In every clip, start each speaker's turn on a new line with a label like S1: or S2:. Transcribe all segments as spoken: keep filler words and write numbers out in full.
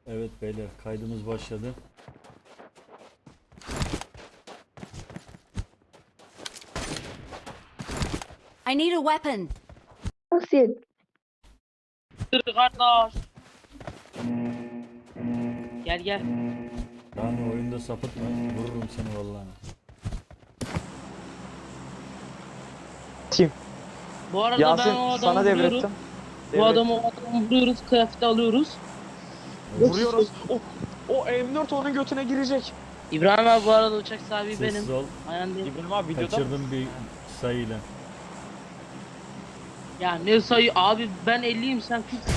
S1: Evet beyler, kaydımız başladı.
S2: I need a weapon.
S3: Nasıl?
S4: Dur kardeş. Gel gel.
S1: Yani oyunda sapıtma, vururum seni vallahi.
S5: Kim?
S4: Bu arada
S5: Yasin
S4: ben o adamı
S5: sana
S4: vuruyorum.
S5: devrettim.
S4: Bu
S5: Devret.
S4: adamı o adamı vuruyoruz, kıyafeti alıyoruz.
S5: Vuruyoruz. O, o M dört onun götüne girecek.
S4: İbrahim abi bu arada uçak sahibi
S1: Sessiz
S4: benim.
S1: ol,
S4: Aynen değil.
S5: İbrahim abi videoda.
S1: kaçırdım bir sayıyla.
S4: Ya ne sayı abi, ben elliyim sen kırksın.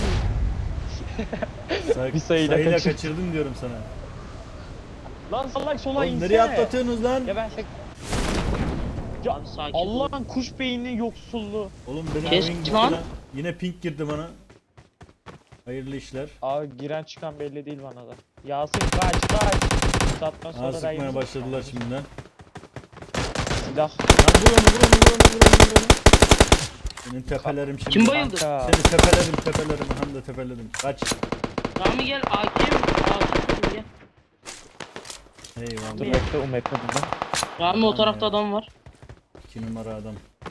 S1: Say
S5: Bir sayıyla
S1: sayıyla
S5: kaçır.
S1: kaçırdım diyorum sana.
S5: Lan salak sola
S1: Oğlum
S5: insene.
S1: nereye atlatıyorsunuz lan?
S5: Ya ben sek... Ya
S4: Abi sakin ol.
S5: Allah'ın kuş beyni yoksulluğu.
S1: Oğlum benim
S4: Kes
S1: oyun gitti
S4: lan.
S1: lan. Yine pink girdi bana. Hayırlı işler.
S5: Abi giren çıkan belli değil bana da. Yasin kaç kaç. Satma
S1: Aa,
S5: sonra
S1: sıkmaya
S5: rayımız-
S1: başladılar şimdiden.
S5: Silah.
S1: Lan vur onu, vur onu, vur onu, vur onu, vur onu. Senin tepelerim şimdi.
S4: Kim bayıldı?
S5: Kanka.
S1: Seni tepelerim, tepelerim, hem de tepelerim. Kaç.
S4: Rami gel, A K mi? A K gel.
S5: Dur
S1: Eyvallah.
S5: bekle o metre buradan.
S4: Rami o
S1: Tamam
S4: tarafta
S1: ya.
S4: adam var.
S1: İki numara adam.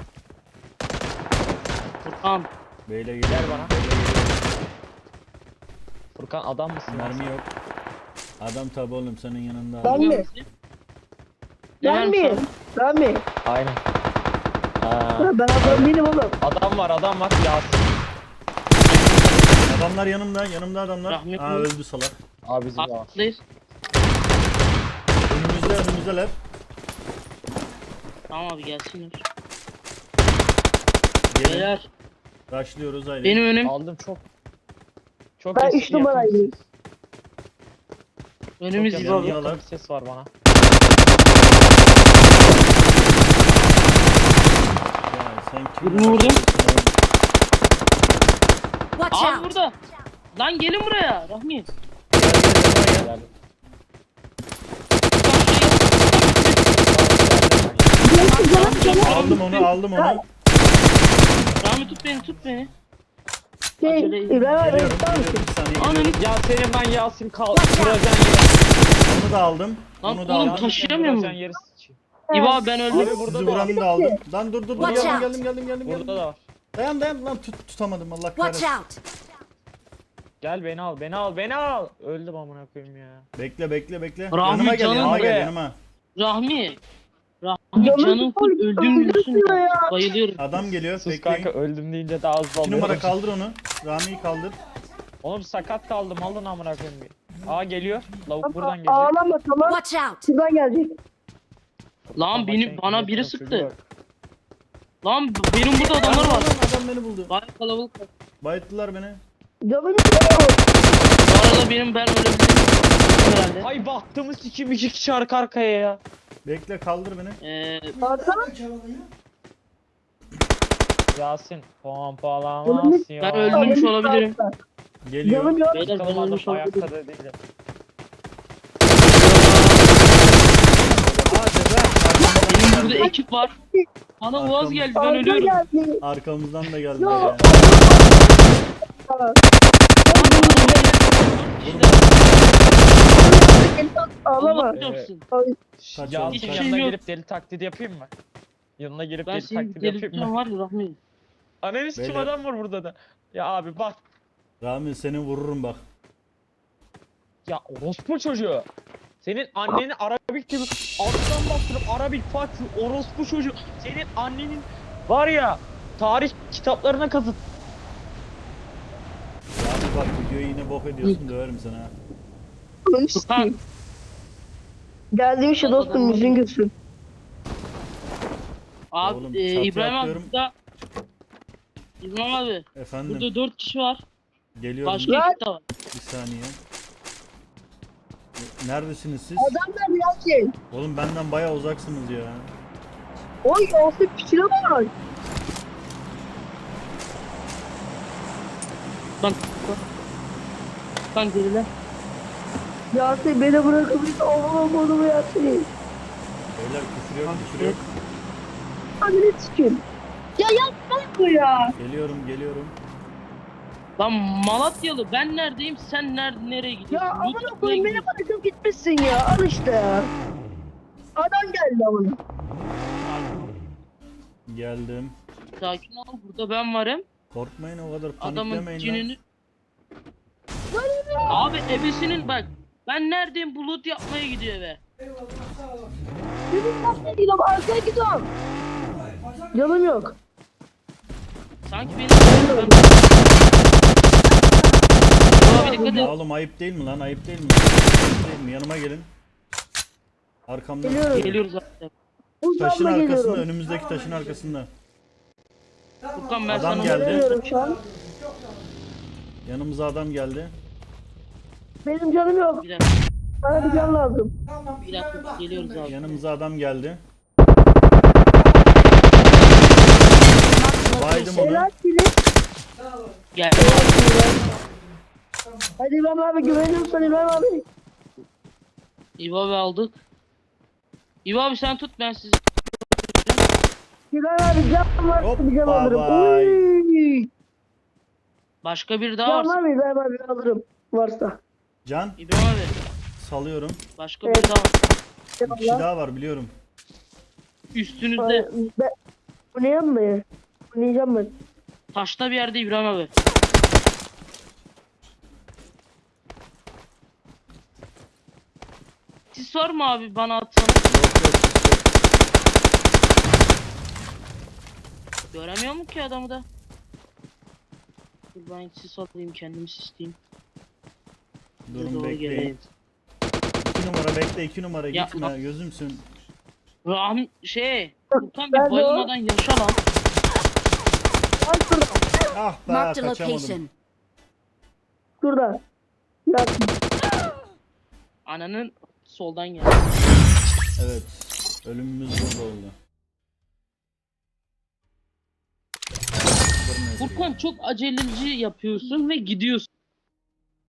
S4: Furkan.
S1: Beyle geliyor.
S5: Gel bana.
S1: Beyle geliyor.
S5: Furkan adam mısın? lan
S1: Mermi yok. Adam tabi oğlum senin yanında.
S3: Ben mi?
S4: Ne
S3: Ben
S4: vermiş
S3: mi?
S4: abi?
S3: Ben mi?
S5: sen? Aynen. Aa,
S3: Ha, ben adam değilim oğlum.
S5: adam var adam var Yasin.
S1: Adamlar yanımda, yanımda adamlar.
S4: Rahmetli.
S1: Aa öldü salak.
S5: Abi bizim var.
S4: Atlayız.
S1: Önümüzde, önümüzdeler.
S4: Tamam abi gelsinler.
S1: Gelin.
S4: Beyler
S1: Rushlıyoruz haydi.
S4: benim önüm.
S5: Aldım çok. Çok
S3: Ben
S5: eski
S3: üç numarayım.
S5: yakın-
S4: Önümüz
S5: Çok
S4: gibi
S1: yakın
S4: abi.
S1: ya.
S5: yakın bir ses var bana.
S1: Ya sen kim?
S4: Birini vurdum.
S2: Watch
S4: Abi
S2: out.
S4: burada. Lan gelin buraya Rahmi.
S5: Gel.
S1: Aldım onu, aldım onu.
S4: Rahmi tut beni, tut beni.
S3: Şey,
S4: Acele edin.
S3: İbrahim abi
S1: Geliyorum,
S3: tutar mısın?
S1: geliyorum. Bir saniye
S4: Ananı
S1: geliyorum.
S5: Ya senin ben Yasin kal.
S2: Watch out.
S5: Vuracağın yeri.
S1: Onu da aldım.
S4: Lan
S1: Onu da
S4: oğlum,
S1: aldım.
S4: taş- taşıyamıyor mu?
S5: Vuracağın yeri sıçayım.
S4: İba ben öldüm.
S5: Abi burada
S1: Sizi
S5: da var.
S1: vuranı da aldım. Lan dur dur dur.
S2: Watch
S1: Geldim,
S2: out.
S1: geldim, geldim, geldim,
S5: Burada
S1: geldim.
S5: da var.
S1: Dayan, dayan. Lan tut, tutamadım Allah
S2: Watch
S1: kahretsin.
S2: out.
S5: Gel beni al, beni al, beni al. Öldüm amına koyayım ya.
S1: Bekle, bekle, bekle.
S4: Rahmi
S1: yanıma gel,
S4: canım
S1: yanıma gel,
S5: abi.
S1: yanıma.
S4: Rahmi. Rahmi
S3: Canım
S4: canım full
S3: full
S4: öldüm diyorsun
S3: öldürüyor
S4: ya.
S3: ya.
S4: Bayılıyorum.
S1: Adam geliyor,
S5: Sus
S1: bekleyin.
S5: kanka öldüm deyince daha hızlı
S1: İki
S5: oluyor.
S1: numara kaldır onu. Rami'yi kaldır.
S5: Oğlum sakat kaldım alın amına koyayım bir. Aa geliyor. Lavuk buradan gelecek.
S3: Ağlama tamam.
S2: Watch out.
S3: Şuradan gelecek.
S4: Lan beni
S5: Bak,
S4: bana
S5: sen
S4: biri
S5: çocuğu
S4: sıktı.
S5: bak.
S4: Lan benim burada adamlar
S1: Adam,
S4: var.
S1: adam, adam beni buldu.
S4: Gayet kalabalık var.
S1: Bayıttılar beni.
S3: Canım yok.
S4: Bu arada benim ben ölebilirim herhalde.
S5: Ay baktığımız sikim iki kişi arka arkaya ya.
S1: Bekle, kaldır beni.
S4: Ee,
S3: Hakan.
S5: Yasin pompalamaz
S3: Oğlum,
S5: ya.
S4: ben öldürmüş olabilirim.
S1: Geliyor.
S3: Canım yok.
S4: Beyler ben
S5: Bakalım adam
S4: ölmüş
S5: ayakta
S4: olabilirim.
S5: da değil.
S4: Benim burada ekip var. Bana
S1: Arkam-
S4: Uaz geldi ben
S3: Arka
S4: ölüyorum.
S3: geldi.
S1: Arkamızdan da geldiler
S3: Yok.
S1: ya.
S3: Ağlama.
S4: Allah çarpsın.
S1: Kaç
S5: Yasin
S1: oldu?
S4: Hiçbir
S5: yanına
S4: şey yok.
S5: gelip deli taklidi yapayım mı? Yanına gelip
S4: Ben
S5: deli
S4: seni
S5: taklidi yapayım
S4: delirteceğim
S5: mı?
S4: var ya Rahmi.
S5: Analiz kim
S1: Beyler.
S5: adam var burada da. Ya abi bak.
S1: Rami seni vururum bak.
S5: Ya orospu çocuğu. Senin anneni Arabik gibi alttan bastırıp Arabik Fatih orospu çocuğu. Senin annenin var ya tarih kitaplarına kazıt.
S1: Rami bak, videoyu yine bok ediyorsun, döverim sana ha.
S4: Furkan.
S3: Geldiğim şu dostum yüzün gülsün.
S4: Abi
S1: Oğlum,
S4: e,
S1: çatıya
S4: İbrahim abi
S1: atlıyorum.
S4: burada. İbrahim abi.
S1: Efendim,
S4: Burada dört kişi var.
S1: geliyorum
S4: Başka
S3: Lan.
S4: ekip de var.
S1: bir saniye. Neredesiniz siz?
S3: Adamlar biraz şey.
S1: Oğlum benden baya uzaksınız ya.
S3: Oy olsun piçine bak.
S4: Bak. Furkan geriler.
S3: Yasin beni bırakıp hiç oğlum oğlum Yasin.
S1: Beyler küfür yok, küfür yok.
S3: Hadi ne çıkın. Ya yapma bu ya.
S1: Geliyorum, geliyorum.
S4: Lan Malatyalı ben neredeyim sen nerede nereye gidiyorsun?
S3: Ya
S4: Loot
S3: amına
S4: yapmaya
S3: koyayım beni
S4: gidiyorsun.
S3: bırakıp gitmişsin ya. Al işte ya. Adam geldi amına.
S1: Geldim.
S4: Sakin ol burada ben varım.
S1: Korkmayın o kadar
S4: Adamın
S1: paniklemeyin lan.
S4: cinini... Abi ebesinin bak. Ben neredeyim bu loot yapmaya gidiyor eve.
S3: Dedim nasıl gidiyorum arkaya gidiyorum. Canım yok.
S4: Sanki benim... Abi dikkat
S1: Ya
S4: et.
S1: oğlum ayıp değil mi lan? Ayıp değil mi? Ayıp değil mi? Yanıma gelin. Arkamdan.
S3: Geliyorum.
S4: Geliyoruz abi.
S1: Taşın
S3: Uzanma
S1: arkasında,
S3: geliyorum.
S1: önümüzdeki taşın arkasında.
S4: Furkan ben
S1: Adam
S4: sana...
S1: geldi.
S3: Geliyorum şu an.
S1: Yanımıza adam geldi.
S3: Benim canım yok.
S4: Bir dakika,
S3: Bana bir can lazım.
S4: bir dakika geliyoruz abi.
S1: Yanımıza adam geldi.
S2: Marked a
S1: Baydım
S2: location.
S1: onu.
S3: Helal seni.
S4: Gel.
S3: Hadi İbrahim abi güveniyorum sana İbrahim abi.
S4: İbo abi aldık. İbo abi sen tut ben sizi.
S3: İbrahim abi can var.
S1: Hoppa
S3: Bir can alırım.
S1: bay.
S3: Uy.
S4: Başka bir daha
S3: Can
S4: var.
S3: var mı İbrahim abi alırım. Varsa.
S1: Can
S4: İbrahim abi.
S1: salıyorum.
S4: Başka
S3: Evet.
S4: bir daha var.
S1: Bir kişi daha var biliyorum.
S4: Üstünüzde.
S3: Ay, Ben... Bu ne yapmıyor? Bu ne yapmıyor?
S4: Taşta bir yerde İbrahim abi. Sis var mı abi bana atsana?
S1: Yok yok
S4: Göremiyor mu ki adamı da? Dur ben sis alayım kendimi sisleyeyim. Size
S1: durun
S4: doğru
S1: bekleyin.
S4: geleyim.
S1: İki numara bekle iki numara
S4: Ya,
S1: gitme
S4: bak-
S1: gözümsün.
S4: Rahm şey. Furkan
S3: Ben
S4: bir
S3: de o-
S4: bayılmadan yaşa lan.
S3: Lan şurada.
S1: Ah be
S2: Marked a
S1: kaçamadım.
S2: location.
S3: Şurada. Ya
S4: Ananın soldan gel.
S1: Evet. Ölümümüz burada oldu.
S4: Furkan çok aceleci yapıyorsun ve gidiyorsun.